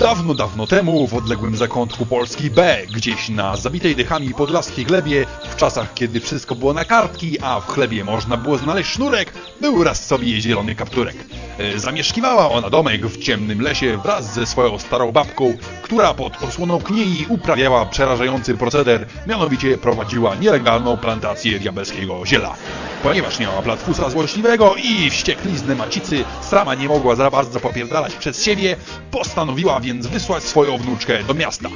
Dawno, dawno temu w odległym zakątku Polski B, gdzieś na zabitej dychami podlaskiej glebie, w czasach kiedy wszystko było na kartki, a w chlebie można było znaleźć sznurek, był raz sobie zielony kapturek. Zamieszkiwała ona domek w ciemnym lesie wraz ze swoją starą babką, która pod osłoną kniei uprawiała przerażający proceder, mianowicie prowadziła nielegalną plantację diabelskiego ziela. Ponieważ miała platfusa złośliwego i wściekliznę macicy sama nie mogła za bardzo popierdalać przez siebie, postanowiła więc wysłać swoją wnuczkę do miasta.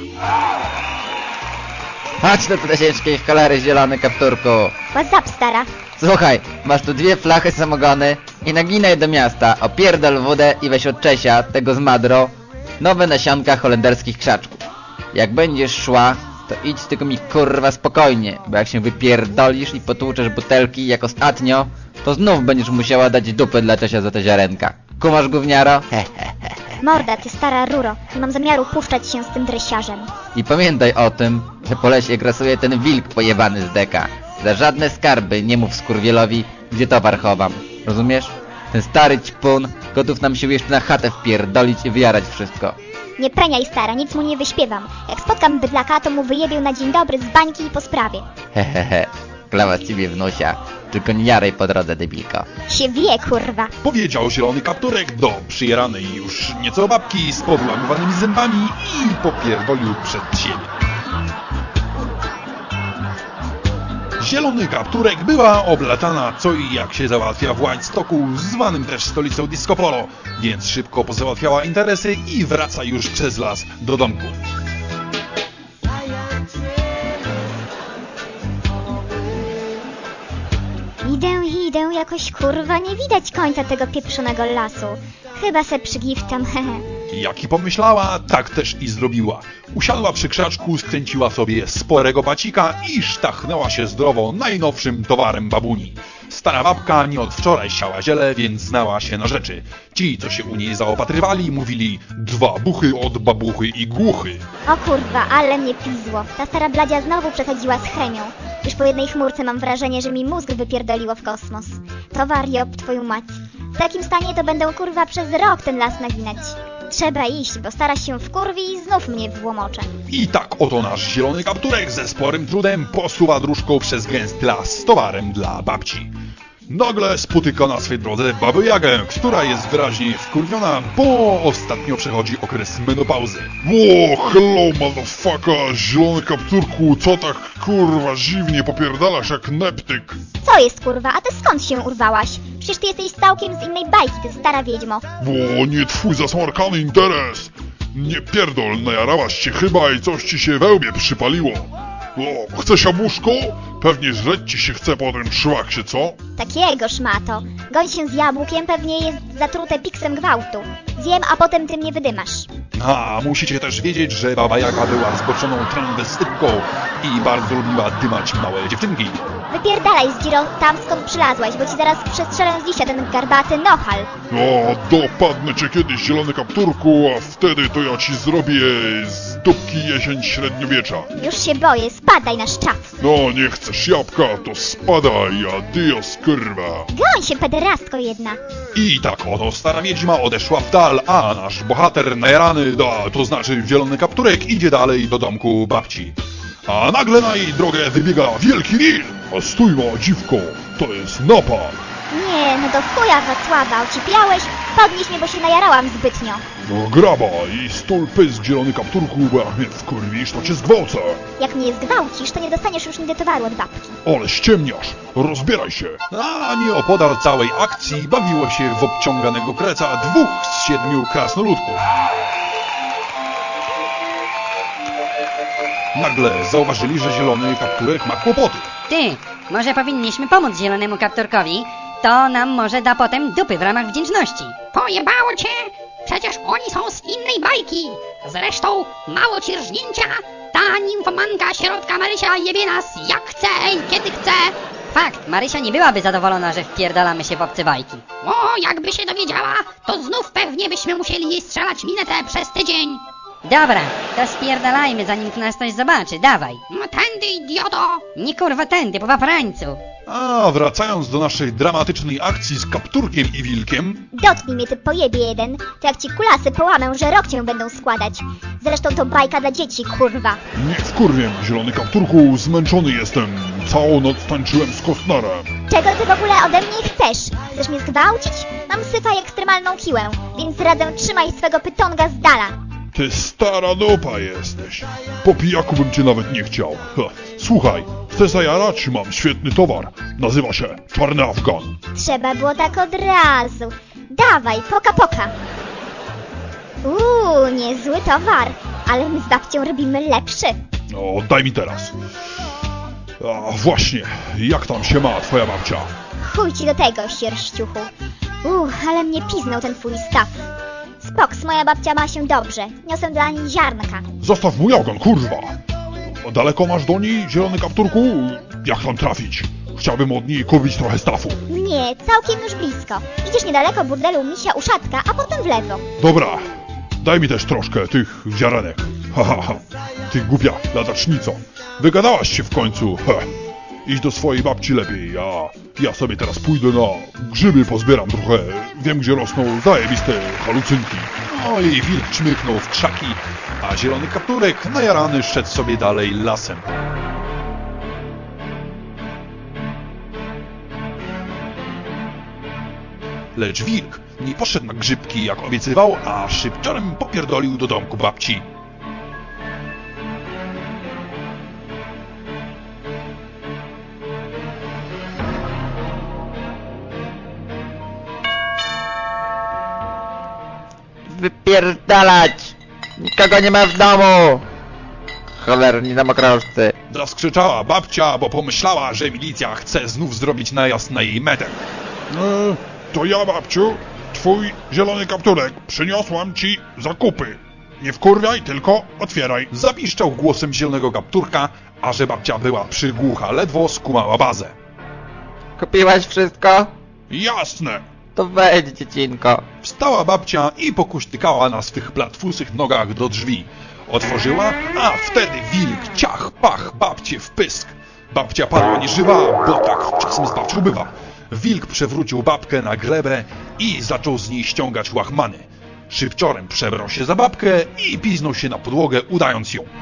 Chodź do plesieczki w cholery, zielony kapturku. What's up, stara? Słuchaj, masz tu 2 flachy samogony i naginaj do miasta, opierdol wódę i weź od Czesia, tego z Madro, nowe nasionka holenderskich krzaczków. Jak będziesz szła, to idź tylko mi kurwa spokojnie, bo jak się wypierdolisz i potłuczesz butelki jak ostatnio, to znów będziesz musiała dać dupy dla Czesia za te ziarenka. Kumasz, gówniaro? Morda, ty stara ruro. Nie mam zamiaru puszczać się z tym dresiarzem. I pamiętaj o tym, że po lesie grasuje ten wilk pojebany z deka. Za żadne skarby nie mów skurwielowi, gdzie towar chowam. Rozumiesz? Ten stary ćpun gotów nam się jeszcze na chatę wpierdolić i wyjarać wszystko. Nie preniaj, stara, nic mu nie wyśpiewam. Jak spotkam bydlaka, to mu wyjebię na dzień dobry z bańki i po sprawie. Hehehe, klawa z ciebie wnusia. Tylko nie jaraj po drodze, debilko. Się wie, kurwa. Powiedział zielony kapturek do przyjeranej już nieco babki z podłamywanymi zębami i popierdolił przed siebie. Zielony kapturek była oblatana co i jak się załatwia w Whitestocku, zwanym też stolicą disco polo, więc szybko pozałatwiała interesy i wraca już przez las do domku. Idę, jakoś kurwa nie widać końca tego pieprzonego lasu. Chyba se przygiftam, hehe. Jak i pomyślała, tak też i zrobiła. Usiadła przy krzaczku, skręciła sobie sporego bacika i sztachnęła się zdrowo najnowszym towarem babuni. Stara babka nie od wczoraj siała ziele, więc znała się na rzeczy. Ci, co się u niej zaopatrywali, mówili 2 buchy od babuchy i głuchy. O kurwa, ale mnie pizło. Ta stara bladzia znowu przesadziła z chemią. Już po jednej chmurce mam wrażenie, że mi mózg wypierdoliło w kosmos. To wariop, twoją mać. W takim stanie to będę kurwa przez rok ten las naginać. Trzeba iść, bo stara się wkurwi i znów mnie włamocze. I tak oto nasz zielony kapturek ze sporym trudem posuwa dróżką przez gęsty las z towarem dla babci. Nagle spotyka na swej drodze babę Jagę, która jest wyraźnie wkurwiona, bo ostatnio przechodzi okres menopauzy. Ło, hello motherfucker, zielony kapturku, co tak kurwa dziwnie popierdalasz jak neptyk? Co jest kurwa, a ty skąd się urwałaś? Przecież ty jesteś całkiem z innej bajki, ty stara wiedźmo. Bo nie twój zasmarkany interes. Nie pierdol, najarałaś się chyba i coś ci się we łbie przypaliło. O, chcesz jabłuszko? Pewnie żreć ci się chce po tym szlaksie, co? Takiego szmato. Goń się z jabłkiem, pewnie jest zatrute piksem gwałtu. Zjem, a potem ty mnie wydymasz. A musicie też wiedzieć, że baba Jaga była zboczoną transwestytką i bardzo lubiła dymać małe dziewczynki. Wypierdalaj z Giro tam, skąd przylazłaś, bo ci zaraz przestrzelę z liścia ten garbaty nohal. O, dopadnę cię kiedyś, zielony kapturku, a wtedy to ja ci zrobię z dupki jesień średniowiecza. Już się boję, spadaj na szczaf. No, nie chcesz jabłka, to spadaj, adios kurwa. Goń się, pederastko jedna. I tak oto stara wiedźma odeszła w dal, a nasz bohater najarany, to znaczy zielony kapturek, idzie dalej do domku babci. A nagle na jej drogę wybiega wielki wilk. A stój ma dziwko, to jest napad. Nie, no do chuja Wacława, ocipiałeś? Podnieś mnie, bo się najarałam zbytnio. No graba i stul pysk, zielony kapturku, bo jak mnie wkurwisz, to cię zgwałcę. Jak mnie zgwałcisz, to nie dostaniesz już nigdy towaru od babki. Ale ściemniasz, rozbieraj się. A nieopodal całej akcji bawiło się w obciąganego kreca 2 z 7 krasnoludków. Nagle zauważyli, że zielony kapturek ma kłopoty. Ty, może powinniśmy pomóc zielonemu kapturkowi? To nam może da potem dupy w ramach wdzięczności. Pojebało cię? Przecież oni są z innej bajki. Zresztą, mało ci rżnięcia, ta nimfomanka środka Marysia jebie nas jak chce i kiedy chce. Fakt, Marysia nie byłaby zadowolona, że wpierdalamy się w obce bajki. O, jakby się dowiedziała, to znów pewnie byśmy musieli jej strzelać minetę przez tydzień. Dobra, to spierdalajmy, zanim tu nas ktoś zobaczy, dawaj. No tędy, idioto! Nie kurwa tędy, po paprańcu. A wracając do naszej dramatycznej akcji z Kapturkiem i Wilkiem, Dotknij mnie, ty pojebie jeden, to jak ci kulasy połamę, że rok cię będą składać. Zresztą to bajka dla dzieci, kurwa. Nie wkurwiem, zielony kapturku, zmęczony jestem. Całą noc tańczyłem z Kostnerem. Czego ty w ogóle ode mnie chcesz? Chcesz mnie zgwałcić? Mam syfa i ekstremalną siłę, więc radzę trzymaj swego pytonga z dala. Ty stara dupa jesteś. Po pijaku bym cię nawet nie chciał. Ha. Słuchaj, chcesz zajarać? Mam świetny towar. Nazywa się Czarny Afgan. Trzeba było tak od razu. Dawaj, poka. Niezły towar, ale my z babcią robimy lepszy. No, daj mi teraz. A właśnie, jak tam się ma twoja babcia? Chuj ci do tego, sierściuchu. Ale mnie piznął ten twój staw. Spoks, moja babcia ma się dobrze. Niosę dla niej ziarnka. Zostaw mój ogon, kurwa! Daleko masz do niej, zielony kapturku? Jak tam trafić? Chciałbym od niej kupić trochę stafu. Nie, całkiem już blisko. Idziesz niedaleko burdelu misia uszatka, a potem w lewo. Dobra, daj mi też troszkę tych ziarenek. Ha. Ty głupia ladacznico. Wygadałaś się w końcu. Idź do swojej babci lepiej, ja sobie teraz pójdę na grzyby, pozbieram trochę. Wiem, gdzie rosną zajebiste halucynki. no i Wilk czmychnął w krzaki, a zielony Kapturek najarany szedł sobie dalej lasem. Lecz Wilk nie poszedł na grzybki jak obiecywał, a szybciorem popierdolił do domku babci. Wypierdalać! Nikogo nie ma w domu! Cholerni domokrożcy. Zaskrzyczała babcia, bo pomyślała, że milicja chce znów zrobić najazd na jej metę. To ja, babciu, twój zielony kapturek. Przyniosłam ci zakupy. Nie wkurwiaj, tylko otwieraj. Zapiszczał głosem zielonego Kapturka, a że babcia była przygłucha, ledwo skumała bazę. Kupiłaś wszystko? Jasne. To wejdź, dziecinko. Wstała babcia i pokuśtykała na swych platfusych nogach do drzwi. Otworzyła, a wtedy Wilk ciach, pach, babcie w pysk. Babcia padła nieżywa, bo tak czasem z babcią bywa. Wilk przewrócił babkę na glebę i zaczął z niej ściągać łachmany. Szybciorem przebrał się za babkę i piznął się na podłogę, udając ją.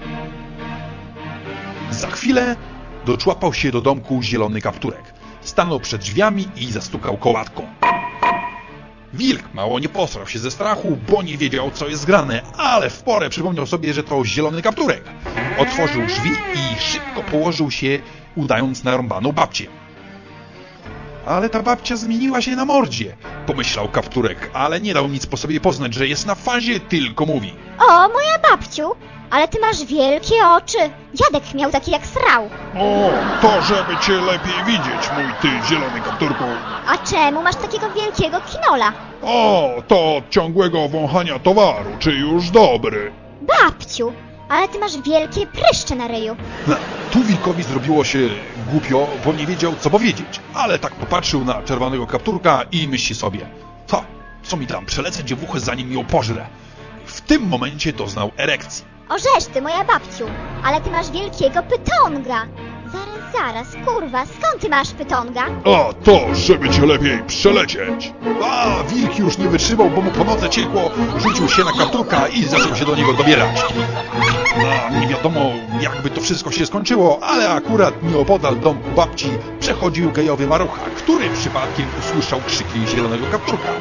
Za chwilę doczłapał się do domku zielony Kapturek. Stanął przed drzwiami i zastukał kołatką. Wilk mało nie posrał się ze strachu, bo nie wiedział, co jest grane, ale w porę przypomniał sobie, że to zielony Kapturek. Otworzył drzwi i szybko położył się, udając narąbaną babcię. Ale ta babcia zmieniła się na mordzie, pomyślał Kapturek, ale nie dał nic po sobie poznać, że jest na fazie, tylko mówi. O, moja babciu, ale ty masz wielkie oczy. Dziadek miał takie jak srał. O, to żeby cię lepiej widzieć, mój ty zielony kapturku. A czemu masz takiego wielkiego kinola? O, to od ciągłego wąchania towaru, czy już dobry? Babciu, ale ty masz wielkie pryszcze na ryju. Tu Wilkowi zrobiło się głupio, bo nie wiedział, co powiedzieć, ale tak popatrzył na czerwonego Kapturka i myśli sobie, co mi tam, przelecę dziewuchę, zanim ją pożrę. W tym momencie doznał erekcji. Orzesz ty, moja babciu, ale ty masz wielkiego pytonga. Zaraz, kurwa, skąd ty masz pytonga? A to, żeby cię lepiej przelecieć. A Wilk już nie wytrzymał, bo mu po nodze ciekło, rzucił się na Kapturka i zaczął się do niego dobierać. Nie wiadomo, jakby to wszystko się skończyło, ale akurat nieopodal domku babci przechodził gejowy marucha, który przypadkiem usłyszał krzyki zielonego Kapturka.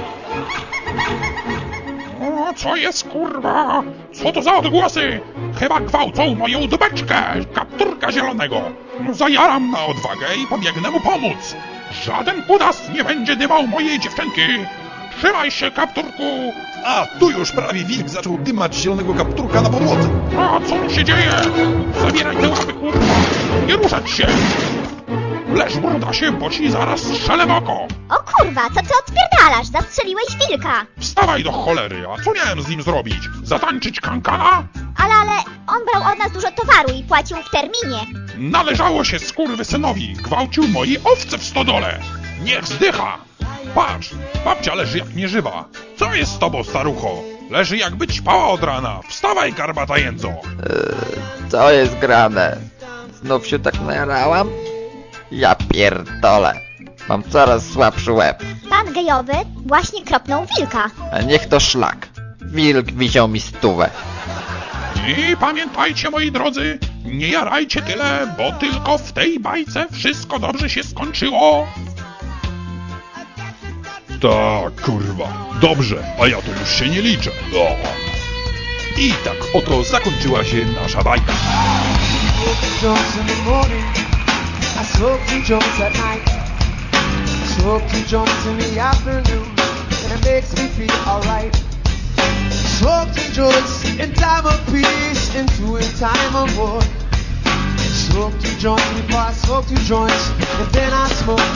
O, co jest, kurwa? Co to za odgłosy? Chyba gwałcą moją dubeczkę, kapturka zielonego. Zajaram na odwagę i pobiegnę mu pomóc. Żaden kudas nie będzie dymał mojej dziewczynki. Trzymaj się, kapturku. A tu już prawie Wilk zaczął dymać zielonego Kapturka na podłodze. A co tu się dzieje? Zabieraj te łapy, kurwa. Nie ruszać się. Leż, brudasie, bo ci zaraz strzelę w oko. O kurwa, co ty odpierdalasz? Zastrzeliłeś wilka. Wstawaj do cholery, a co miałem z nim zrobić? Zatańczyć kankana? Ale on brał od nas dużo towaru i płacił w terminie. Należało się skurwysynowi, gwałcił moje owce w stodole. Niech zdycha. Patrz, babcia leży jak nieżywa. Co jest z tobą, starucho? Leży jakby ćpała od rana. Wstawaj, garbata jędzo! Co jest grane? Znów się tak najarałam? Ja pierdolę. Mam coraz słabszy łeb. Pan gejowy właśnie kropnął wilka. A niech to szlak. Wilk wisiał mi 100. I pamiętajcie, moi drodzy, nie jarajcie tyle, bo tylko w tej bajce wszystko dobrze się skończyło. Tak, kurwa. Dobrze, a ja to już się nie liczę. O. I tak oto zakończyła się nasza bajka. Jones in the morning, I smoke 2 joints at night. Smoke 2 joints in the afternoon, and it makes me feel alright. Smoke 2 joints in time of peace, and 2 in time of war. Smoke 2 joints before I smoke 2 joints, and then I smoke